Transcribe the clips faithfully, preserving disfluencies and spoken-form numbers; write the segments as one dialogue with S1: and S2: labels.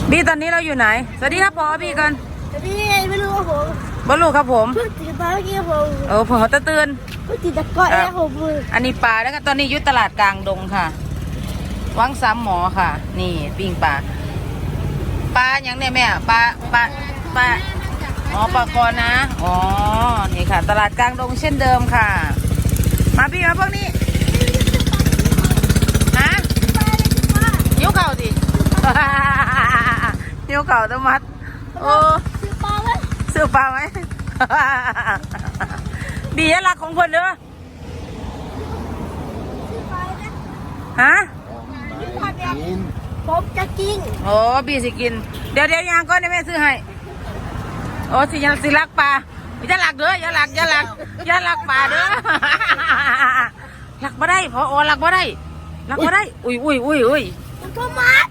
S1: บีตอนนี้เราอยู่ไหนสวัสดีครับพอบีกัน
S2: สวัสดีไม่รู้ครับผม
S1: บอลลูครับผม
S2: เพิ่งตื่นมาเมื่อกี้ครับผม
S1: เออผมตะเตือน
S2: เพิ่งตื่นตะก้อยแล้วผม
S1: อันนี้ปลาแล้วก็ตอนนี้ยุทธตลาดกลางดงค่ะวังซ้ำหมอค่ะนี่ปิ้งปลาปลาอย่างเนี่ยแม่ปลาปลาปลาอ๋อปลาคอนะอ๋อนี่ค่ะตลาดกลางดงเช่นเดิมค่ะมาพี่มาพวกนี้นะยิ้วเข่าสิยิ้วเข่าตะมัดโอ้
S2: ซื้อปลาไหม
S1: ซื้อปลาไหมบียรักของคนเด้อฮะ
S2: ผมจะกิน
S1: โอ้บีสิกินเดี๋ยวเดี๋ยวยางก้อนแม่ซื้อให้โอ้สิยังสิรักปลาอย่าหลักเด้ออย่าหลักอย่าหลักอย่าหลักปลาเด้อหลักบ่ได้พอโอ้หลักบ่ได้หลักบ่ได้อุ้ยอุ้ยอุ้ยอุ้ย
S2: มันก็มัด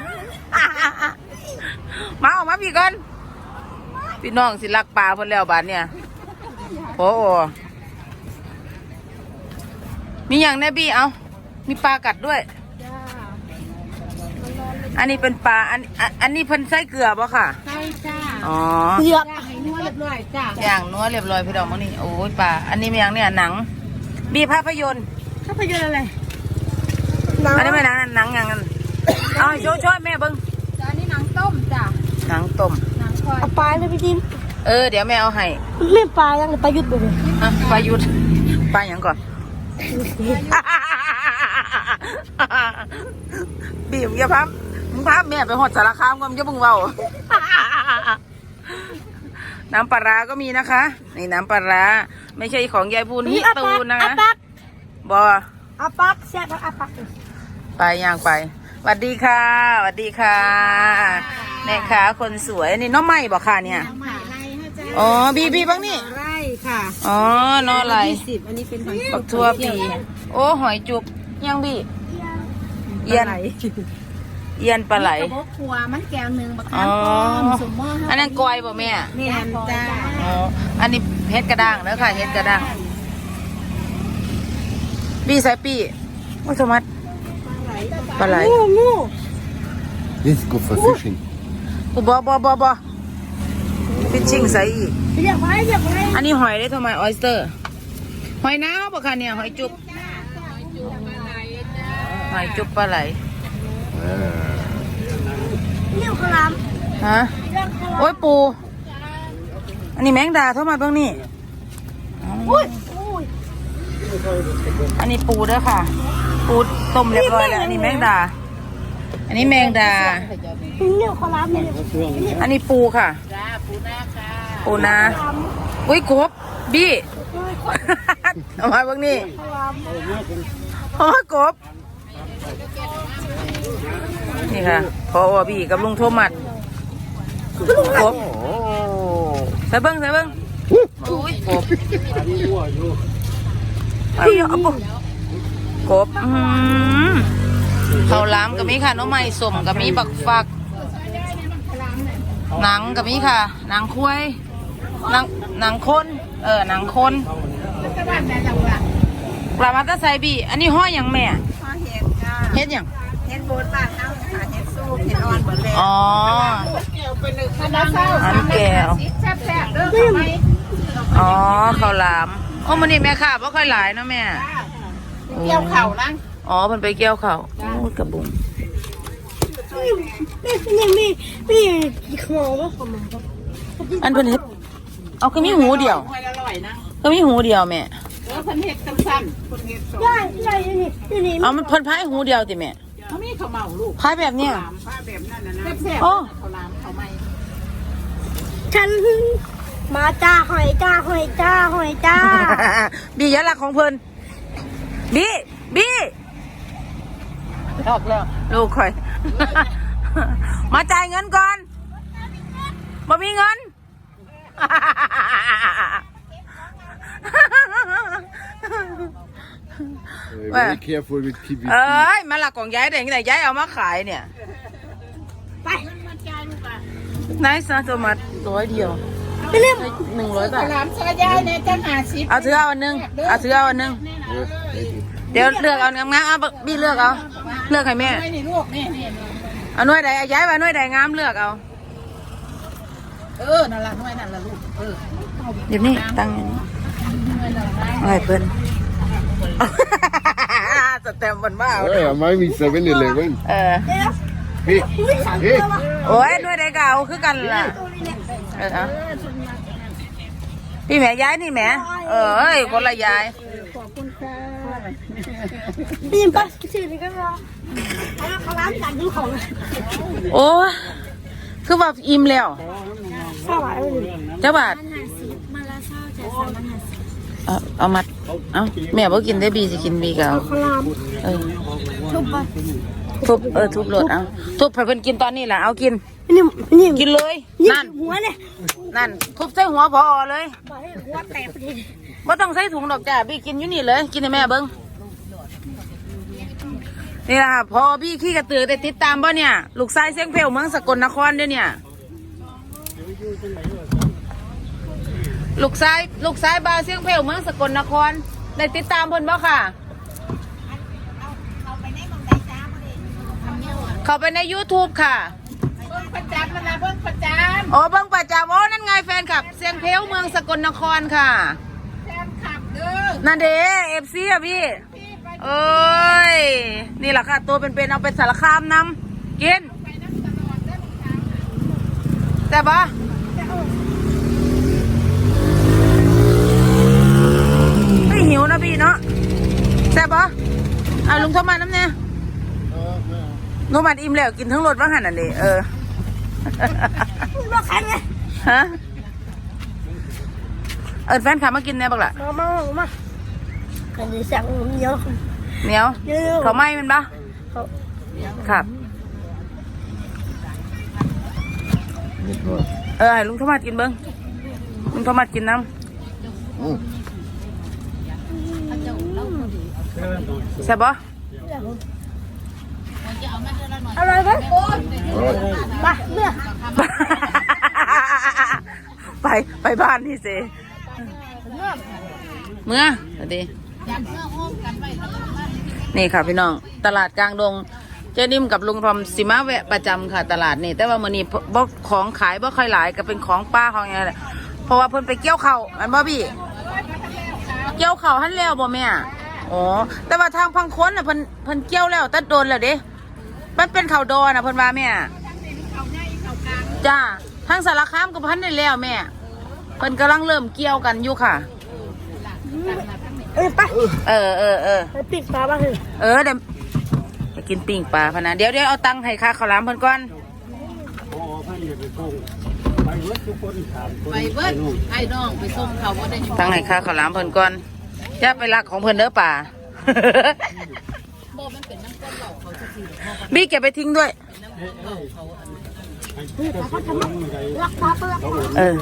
S1: มาออกมาพี่ก่อนพี่น้องสิรักปลาพนแล้วบาดเนี่ยโอ้โอ้มีอย่างแน่บี้เอามีปลากัดด้วยอันนี้เป็นปลาอันอันนี้เพิ่นใส่เกลือป่ะค่ะ
S3: ใช่จ้า
S1: อ๋อ
S2: เลือก
S3: ให้นัวเรียบร้อยจ้า
S1: อย่างนัวเรียบร้อยพี่ดอกมั้งนี่โอ้ยปลาอันนี้มีอย่างเนี่ยหนังบีภาพยนตร์
S2: ภาพยนตร์อะไร
S1: อันนี้ไม่หนังหนังอย่างนั้นเอาช่วยช่วยแม่เบิ้ง
S3: อันนี้หนังต้มจ้า
S1: หนังต้ม
S3: หนังคอย
S2: เอาปลาเลยพี่ดิน
S1: เออเดี๋ยวแม่เอาให้
S2: ไม่ปลายังปลายุดเลย
S1: อ่ะปลายุดปลาอย่างก่อนบีมอย่าพับมึงพับแม่ไปหอดสารคามก็มึงจะมึงเบาน้ำปลาร้าก็มีนะคะนี่น้ำปลาร้าไม่ใช่ของยายพูนฮิตูนนะคะบอ
S2: อาปักแซ่บอาปัก
S1: ไปย่างไปสวัสดีค่ะสวัสดีค่ะแม่ค้าคนสวยนี่น้องใหม่บอกค่ะเนี่ยอ๋อบีบีบ้างนี่
S3: ไร่ค่ะ
S1: อ๋อนออะไร
S3: สิบอันนี้เป็นหอย
S1: ปักทั่วปีโอ้หอยจุบยังบีเอียนเอียนปลาไหล
S3: กระบอกขัวมันแก้วหนึ่งบักน้ำต้มสมมติ
S1: อันนั้นกอยบ่แม่
S3: นี่อันจ้า
S1: อ๋ออันนี้เฮ็ดกระด้างเด้อค่ะเฮ็ดกระด้างบีใส่ปีโอ้สมัดปลาไหล
S2: งูงู
S4: This is good for fishing
S1: กูบ่บ่บ่บ่ฟิชชิ่งใส่อีก
S2: เรียกไว้เรียกไว้
S1: อันนี้หอยได้ทำไมออยสเตอร์หอยน้ำบ่ค่ะเนี่ยหอยจุบหอยจุบปลาไหล
S2: เรียกขลาม
S1: ฮะโอ้ยปูอันนี้แมงดาเท่ามาเบื้องนี่อันนี้ปูด้วยค่ะปูต้มเรียบร้อยแล้วอันนี้แมงดาอันนี้แมงดา
S2: เรียกขลามเนี่ย
S1: อันนี้ปูค่ะปูนาอุ้ยกบบี้เอามาเบื้องนี่โอ้กบนี่ค่ะพอว่าบี้กับลุงโทมัสกบใส่เบิ้งใส่เบิ้งโอ้ยกบไอ้เอาปุ๊กบเขาล้ำกับมีค่ะน้องใหม่สมกับมีบักฟักหนังกับมีค่ะหนังคุ้ยหนังหนังคนเออหนังคนปลามาตาไซบีอันนี้ห้อยอย่างแม่เฮ็ดอย่าง
S3: เห็ดโบนบ้านเอาค่ะเห็ดสู้เห็ดอ่อนหมดเลย
S1: อ๋ออันแก้วอ๋อข้าวหลามโอ้มันนี่แม่ค่ะเพราะค่อยหลายเนาะแม่
S3: เกี่ยวเข่านั่ง
S1: อ๋อมันไปเกี่ยวเข่าโอ้กระบุง
S2: นี่นี่นี่นี่ขโมยว่าขโมย
S1: อันเป็นเห็ดเอาก็มีหูเดียวก็มีหูเดียวแม่
S3: เออเพิ่นเห็ดสั้นๆเพิ่นเห็ดสอง
S2: ใช่ใช่นี่นี่
S1: เอามันเพิ่นพายหูเดียวติแม่
S3: เขามีข้าวเมาลูก
S1: พายแบบเนี้ย
S3: พายแบบนั้นนะแซ่บๆ
S1: โอ้
S3: ข้าวหลามข้าวไหม
S2: ฉันมาจ้าหอยจ้าหอยจ้าหอยจ้า
S1: บียะลักของเพิ่นบีบีออกแล้วลูกคอยมาจ่ายเงินก่อนบ่มีเงิน
S4: Very careful with พี วี ซี
S1: เอ้ยมาหลักของย้ายเด็กแต่ย้ายเอามาขายเนี่ย
S2: ไป
S1: นายซาโตมัสร้อยเดียว
S2: ไปเรียก
S1: หนึ่งร้อยบาท
S3: หลามชายายเนี่ยจะหาสิบ
S1: เอาถือเอาอันนึงเอาถือเอาอันนึงเดี๋ยวเลือกเอางามๆเอาบีเลือกเอาเลือกให้แม่
S3: ไม่ในลูกนี่นี่
S1: เเอาหน่วยใดเอาย้ายไปหน่วยใดงามเลือกเอา
S3: เออนั่นละหน่วยนั่นละลูกเออ
S1: เดี๋ยวนี้ตั้งอย่างนี้เอาให้เพิ่น สแตมป์มันมาเอา
S4: Hey, I might be seven eleven.
S1: เออ
S4: Hey, hey.
S1: โอ้ยหน่วยใดก็เอาคือกันล่ะเออเอาพี่แม่ย้ายนี่แม่เออเอ้ยคนละย้าย
S2: นี่ปัสกินกันเหรอเขาล้างจานดูของ
S1: โอ้ยคือว่าอิ่มแล้ว
S2: สวัสดี
S1: เจ้าบาทเอาเอามาเอาแม่บ่กินได้บีสิกินบีก็เอา
S2: เขาล้าง
S1: เออ
S2: ทุบปะ
S1: ทุบเออทุบรถเอาทุบให้เพิ่นกินตอนนี้ล่ะเอากิน
S2: นี่นี่
S1: กินเลย
S2: นี่
S1: นั่น
S2: หัวเนี่ย
S1: นั่นทุบใส่หัวพอเลย
S2: บอกให้หัวแตกพอดี
S1: บ่ต้องใส่ถุงดอกจ้าบีกินอยู่นี่เลยกินให้แม่เบิ่งนี่ล่ะพอพี่ขี้กระตือได้ติดตามบ่เนี่ยลูกชายเสียงเพลวเมืองสกลนครเด้อเนี่ยลูกชายลูกชายบาวเสียงเพลวเมืองสกลนครได้ติดตามเพิ่นบ่ค่ะเข้าไปใน YouTube ค่ะ
S3: เบิ่งประจำมันละเบิ่งประจ
S1: โอ้เบิ่งประจำโอ้นั่นไงแฟนคลับเสียงเพลวเมืองสกลนครค่ะ
S3: ำแฟนคลับเด้อ
S1: นั่นเด้เอฟซีอะพี่เอ้ยนี่แหละค่ะตัวเป็นๆเอาเป็นสารคามนำกินแต่ปะไม่หิวนะพี่เนาะแซ่บปะอ่ะลุงโทรมาน้ำเนี่ยโทรมาอิ่มแล้วกินทั้งรถว่าหันอันนี้เออ
S2: ว่าใครไง
S1: ฮะเออแฟนขามากินเนี่ยบักล่ะ
S2: มามามากันดีเสียงเยอะ
S1: เหนียว
S2: เยอะ
S1: เขาไหม้มันปะครับเออให้ลุงโทมัสกินเบิ้งลุงโทมัสกินน้ำแซ่บปะ
S2: อะไรกันมาเมื่อ
S1: ไปไปบ้านนี่สิเมื่อสวัสดีนี่ค่ะพี่น้องตลาดกลางดงเจนิ่มกับลุงทอมสิมาแวะประจำค่ะตลาดนี่แต่ว่ามื้อนี้บ่ของขายบ่ค่อยหลายก็เป็นของป้าของอะไรแหละเพราะว่าเพิ่นไปเกี่ยวข้าวอันบ่พี่เกี่ยวข้าวหันแล้วบ่แม่อ๋อแต่ว่าทางพังค้นน่ะเพิ่นเพิ่นเกี่ยวแล้วแต่โดนแล้วเด้มันเป็นข้าวดอน่ะเพิ่นว่าแม่จ้าทางสารคามก็พันได้แล้วแม่เพิ่นกำลังเริ่มเกี่ยวกันอยู่ค่ะ
S2: เอ้ยไป
S1: เออเออเออ
S2: ไปปิดปลาบ้างเลย
S1: เออเดี๋ยวจะกินปิ้งปลาพะนะเดี๋ยวเดี๋ยวเอาตังค์ให้ค่าข้าวหลามเพิ่นก่อน
S3: ไปเบิ้ลไอ้น้องไปส่งเขาว่าได้
S1: ตังค์ให้ค่าข้าวหลามเพิ่นก่อนอย่าไปรักของเพิ่นเด้อป่า บี้เก็บไปทิ้งด้วย
S2: รักปลาเปลือก
S1: เออ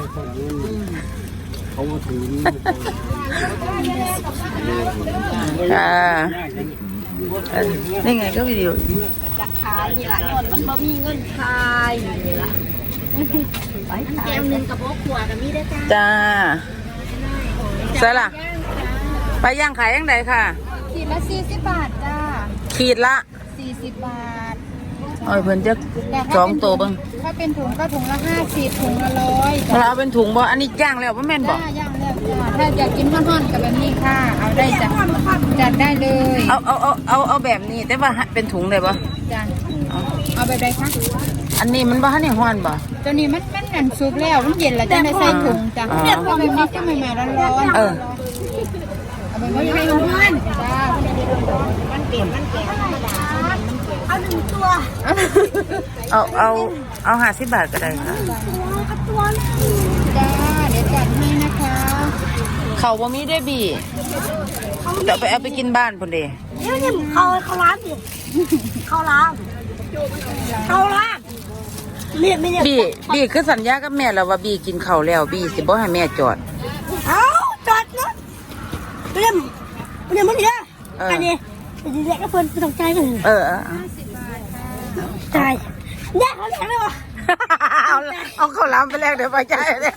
S1: อ่าเออนี่ไงก็วิดีโอ
S2: จะขายนี่แหละนอนมันบ่มีเงินขายนี่แหละไปแก้วหนึ่งกับโบ๊ะขวดมีได้จ้า
S1: จ้าใช่ล่ะไปย่างขายยังไงค่ะ
S2: ขีดละสี่สิบบาทจ้า
S1: ขีดละ
S2: สี่สิบบาท
S1: เอ้ยเพิ่นจะสองตัวเบิ่ง
S2: ถ้าเป็นถุงก็ถุงละห้าสิบถุงละร้อย
S1: ถ้าเอาเป็นถุงบ่อันนี้ย่างแล้วบ่แม่นบ่
S2: จ้าย่างแล้วจ้าถ้าอยากกินห่อนๆกับแบบนี้ค่ะ เอาได้จ้ะจัดได้เลย
S1: เอาเอาเอาเอาเอาแบบนี้แต่ว่าเป็นถุงเลยบ่
S2: จ้าเอาไปได้ค่ะ
S1: อันนี้มันบ่ทันได้ฮ้อนบ่
S2: ตัวนี้มันมันอันซุปแล้วมันเย็นแล้วจะได้ใส่ถุงจ้ะ
S1: อ๋อ
S2: เอาแบบนี้จะใหม่ๆร้อนๆ
S1: เออ
S2: เอาแบบนี้ให้ร้อนๆจ้ามันเปลี่ยนมันเปลี่ยนเอาหนึ่งตัว
S1: เอาเอาเอาห้าสิบบาทก็ได้ค่ะ
S2: ตัวจ้าเดี๋ยวจัดให้นะคะ
S1: เขาบ่มีได้บีเดี๋ยวไปเอาไปกินบ้านพุ่นเด้
S2: เดี๋ยวนี่เขาเขาล้างดิเขาล้างเขาล้างเนี่ยไม่เนี่ย
S1: บีบีคือสัญญากับแม่แล้วว่าบีกินข้าวแล้วบีสิบ่ให้แม่จอด
S2: เอาจอดนะเรียมเรียมมันเนี่ย
S1: เอออั
S2: อันนี้อันนี้แหละก็เพิ่นสนใจกัน
S1: เออเออเอา
S2: ใจแยกเขาแยกเลยวะ
S1: เอาเอาข้าวหลามไปแลกเดี๋ยวไปจ่ายเลย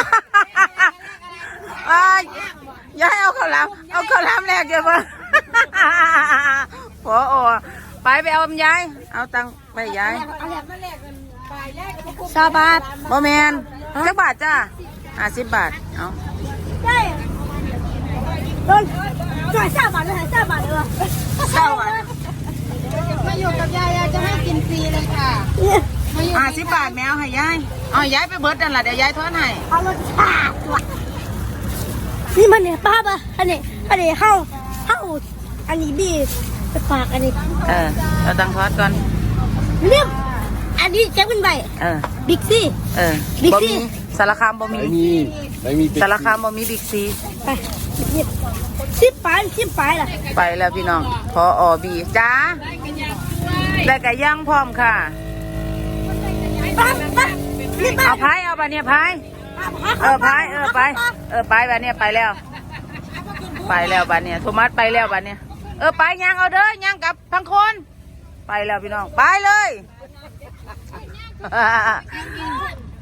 S1: ไอ้ยยายเอาข้าวหลามเอาข้าวหลามแลกเดี๋ยวมาพอไปไปเอายายเอาตังค์ไปยาย
S2: ชาวบ้าน
S1: บ่แมนจักบาทจ้าห้าสิบบาทเอา
S2: ใช่โดนจ่ายชาวบ้านเลยชาวบ้านเลย
S1: เศร้าอ่ะ
S3: มาอยู่กับยายยายจะให้กินฟรีเลยค่ะ
S1: ห้าสิบบาทแมวให้ยายเอาให้ยายไปเบิดนั่นล่ะเดี๋ยวยายทอนให้
S2: เอารถชาติว่ะนี่มันเนี่ยป้าปะอันนี้อันนี้เข้าเข้าอันนี้บีไปฝากอันนี้
S1: เออเอาตังค์ทอนก่อน
S2: เรียบอันนี้แจ็คเป็นใบ
S1: เออ
S2: บิ๊กซี่
S1: เออ
S2: บิ๊ก
S1: บ่
S2: ซี
S1: มีสารคามบ่มี
S4: ไม่มีไม่มี
S1: สารคามบ่มีบิ๊กซี
S2: ไปเรียบสิบปลายสิบปลายล่ะ
S1: ไปแล้วพี่น้องพออบีจ้าได้ไก่ย่างพร้อมค่ะ
S2: ไปไปรีบไป
S1: เอาพายเอาไปเนี่ยพายเออพายเออไปเออไปแบบเนี้ยไปแล้ว ไปแล้วบัดเนี่ยโทมัสไปแล้วบัดเนี่ยเออไปย่างเอาเด้อย่างกับทั้งคน ไปแล้วพี่น้องไปเลย